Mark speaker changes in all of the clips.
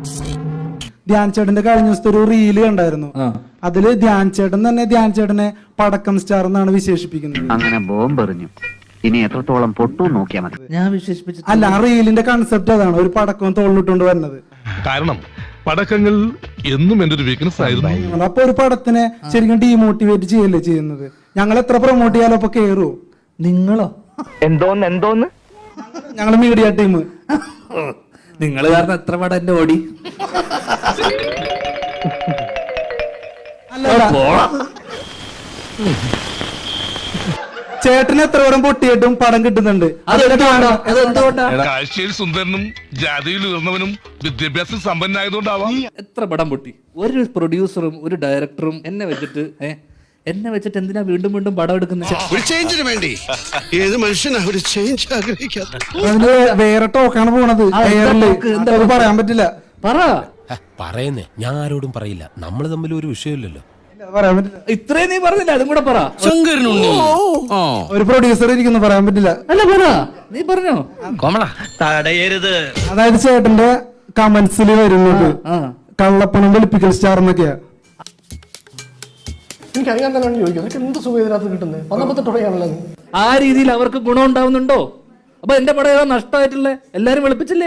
Speaker 1: ധ്യാൻ ചേട്ടന്റെ കഴിഞ്ഞ ദിവസത്തെ ഒരു റീല് കണ്ടായിരുന്നു. അതില് ധ്യാൻ ചേട്ടൻ തന്നെ ധ്യാൻ ചേട്ടനെ പടക്കം സ്റ്റാർ എന്നാണ് വിശേഷിപ്പിക്കുന്നത്.
Speaker 2: അങ്ങനെ ബോംബെറിഞ്ഞു. ഇനി എത്രത്തോളം പൊട്ടു നോക്കിയാൽ മതി.
Speaker 3: ഞാൻ വിശേഷിപ്പിച്ചു
Speaker 1: അല്ല, ആ റീലിന്റെ കൺസെപ്റ്റ് അതാണ്, ഒരു പടക്കം തോളിലിട്ടുകൊണ്ട് വരുന്നത്.
Speaker 4: കാരണം പടക്കങ്ങൾ എന്നും എന്റെ ഒരു വീക്ക്നെസ് ആയിരുന്നു.
Speaker 1: അപ്പൊ ഒരു പടത്തിനെ ശരിക്കും ഡീമോട്ടിവേറ്റ് ചെയ്യല്ലേ ചെയ്യുന്നത്. ഞങ്ങൾ എത്ര പ്രൊമോട്ട് ചെയ്യാലോ അപ്പൊ കേറൂ.
Speaker 3: നിങ്ങളോ?
Speaker 2: എന്തോന്ന്
Speaker 1: ഞങ്ങള് മീഡിയ ടീം.
Speaker 3: നിങ്ങൾ കാരണം എത്ര പടം എന്റെ ഓടി.
Speaker 1: ചേട്ടന് എത്ര പടം പൊട്ടിയിട്ടും പടം കിട്ടുന്നുണ്ട്.
Speaker 4: കാഴ്ചയിൽ സുന്ദരനും ജാതിയിൽ ഉയർന്നവനും വിദ്യാഭ്യാസം സമ്പന്നായതുകൊണ്ടാവാം.
Speaker 3: എത്ര പടം പൊട്ടി. ഒരു പ്രൊഡ്യൂസറും ഒരു ഡയറക്ടറും എന്നെ വെച്ചിട്ട് എന്തിനാ വീണ്ടും വീണ്ടും പടം എടുക്കുന്നത്?
Speaker 5: ഏത് മനുഷ്യനാ ഒരു ചേഞ്ച് ആഗ്രഹിക്കാത്ത?
Speaker 1: അതിന് വേറെ ടോക്കാണ് പോണത്. പറയാൻ പറ്റില്ല.
Speaker 6: പറയുന്നേ, ഞാൻ ആരോടും പറയില്ല. നമ്മൾ തമ്മിൽ ഒരു വിഷയമില്ലല്ലോ.
Speaker 1: പറയാൻ പറ്റില്ല.
Speaker 3: ഇത്രയും നീ പറഞ്ഞില്ല, അതും കൂടെ പറ.
Speaker 1: ഒരു പ്രൊഡ്യൂസർ ഇരിക്കുന്നു, പറയാൻ പറ്റില്ല.
Speaker 3: അല്ല പറ, നീ പറഞ്ഞോ.
Speaker 2: തടയരുത്.
Speaker 1: അതായത് ചേട്ടന്റെ കമന്റ്സിൽ വരുന്നത് കള്ളപ്പണം വെളുപ്പിക്കൽ സ്റ്റാർ എന്നൊക്കെയാ.
Speaker 5: എനിക്കറിയാൻ തന്നെ ചോദിക്കും, എന്ത് സുഖം ഇതിനകത്ത് കിട്ടുന്നത്? 19 തുടങ്ങിയാണല്ലോ.
Speaker 3: ആ രീതിയിൽ അവർക്ക് ഗുണം ഉണ്ടാവുന്നുണ്ടോ? അപ്പൊ എന്റെ പടം ഏതാ നഷ്ടമായിട്ടുള്ള? എല്ലാരും വെളുപ്പിച്ചില്ലേ?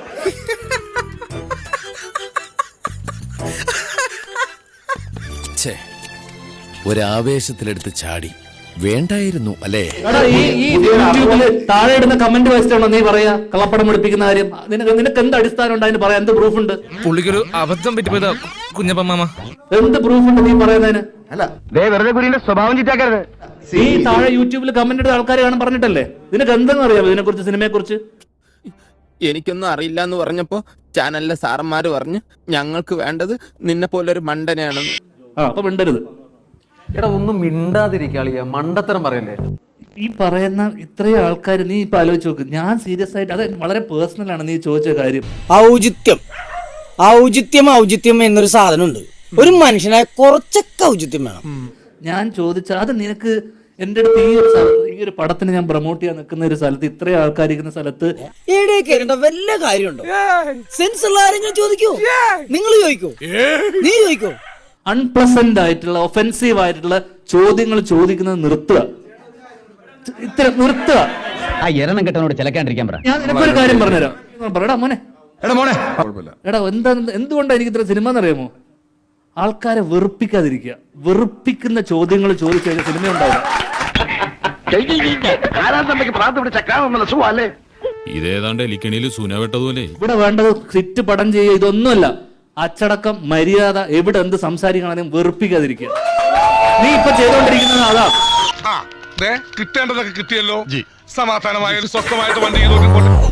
Speaker 6: ഒരാവേശത്തിലെടുത്ത് ചാടി വേണ്ടായിരുന്നു അല്ലേ?
Speaker 3: ഈ യൂട്യൂബില് താഴെ ഇടുന്ന കമന്റ് വായിച്ചിട്ടാണോ നീ പറയാ കള്ളപ്പടം വെളുപ്പിക്കുന്ന കാര്യം? നിനക്ക് എന്ത് അടിസ്ഥാനം ഉണ്ട് അതിന് പറയാൻ? എന്ത് പ്രൂഫ് ഉണ്ട്?
Speaker 7: പുള്ളിക്കൊരു അബദ്ധം പറ്റിപ്പോയതാ കുഞ്ഞപ്പ മാമ.
Speaker 3: എന്ത് പ്രൂഫ് ഉണ്ട് നീ പറയുന്നതിന്?
Speaker 2: വെറുതെ കുരിന്റെ സ്വഭാവം ചിറ്റാക്കരുത്.
Speaker 3: ഈ താഴെ യൂട്യൂബിൽ കമന്റ് ഇടുന്ന ആൾക്കാർ കാണാൻ പറഞ്ഞിട്ടല്ലേ? നിനക്ക് എന്തെന്ന് അറിയാമോ ഇതിനെ കുറിച്ച്, സിനിമയെ കുറിച്ച്?
Speaker 8: എനിക്കൊന്നും അറിയില്ല എന്ന് പറഞ്ഞപ്പോ ചാനലിലെ സാറന്മാര് പറഞ്ഞു ഞങ്ങൾക്ക് വേണ്ടത് നിന്നെ പോലൊരു മണ്ടനെയാണെന്ന്.
Speaker 3: അപ്പൊ മിണ്ടരുത്.
Speaker 9: എടാ ഒന്നും മിണ്ടാതിരിക്കാളിയ, മണ്ടത്തരം പറയല്ലേ.
Speaker 3: ഈ പറയുന്ന ഇത്രയും ആൾക്കാർ, നീ ഇപ്പൊ ആലോചിച്ച് നോക്ക്. ഞാൻ സീരിയസ് ആയിട്ട്, അത് വളരെ പേഴ്സണൽ ആണ് നീ ചോദിച്ച കാര്യം.
Speaker 10: ഔചിത്യം എന്നൊരു സാധനമുണ്ട്. ഒരു മനുഷ്യനായ കുറച്ചൊക്കെ ഔചിത്യം വേണം.
Speaker 3: ഞാൻ ചോദിച്ച അത് നിനക്ക് എന്റെ അടുത്ത് ഈ ഒരു പടത്തിന് ഞാൻ പ്രൊമോട്ട് ചെയ്യാൻ നിൽക്കുന്ന ഒരു സ്ഥലത്ത്, ഇത്രയും ആൾക്കാർ ഇരിക്കുന്ന സ്ഥലത്ത്
Speaker 10: വല്ല കാര്യമുണ്ടോ? സെൻസ് ഉള്ള ആരെങ്കിലും ചോദിക്കോ? നിങ്ങൾ ചോദിക്കോ? നീ ചോദിക്കോ?
Speaker 3: അൺപ്ലസന്റ് ആയിട്ടുള്ള, ഒഫെൻസീവ് ആയിട്ടുള്ള ചോദ്യങ്ങൾ ചോദിക്കുന്നത് നിർത്തുക. നിർത്തുക.
Speaker 2: ആ എരണം കെട്ടനോട് ചിലക്കാണ്ടിരിക്കാൻ പറ.
Speaker 3: ഞാൻ നിനക്കൊരു കാര്യം പറഞ്ഞുതരാം. എടാ മോനെ, എടാ എന്തുകൊണ്ടാണ് എനിക്ക് ഇത്ര സിനിമ എന്നറിയാമോ? ആൾക്കാരെ വെറുപ്പിക്കാതിരിക്കുക. വെറുപ്പിക്കുന്ന ചോദ്യങ്ങൾ ചോദിച്ചു കഴിഞ്ഞാൽ സിനിമ ഉണ്ടാവില്ല.
Speaker 7: ഇതേതാണ്ട് എലിക്കണിയിൽ സൂനവെട്ടതുപോലെ.
Speaker 3: ഇവിടെ വേണ്ടത് സിറ്റ് പടം ചെയ്യുക, ഇതൊന്നുമല്ല. അച്ചടക്കം, മര്യാദ, എവിടെ എന്ത് സംസാരിക്കണമെങ്കിലും വെറുപ്പിക്കാതിരിക്കുക. നീ ഇപ്പൊ ചെയ്തോണ്ടിരിക്കുന്നത് അതാ.
Speaker 4: കിട്ടേണ്ടതൊക്കെ കിട്ടിയല്ലോ. സമാധാനമായ ഒരു സ്വസ്ഥമായിട്ട് വണ്ടി ചെയ്തോണ്ടിരിക്കോട്ടെ.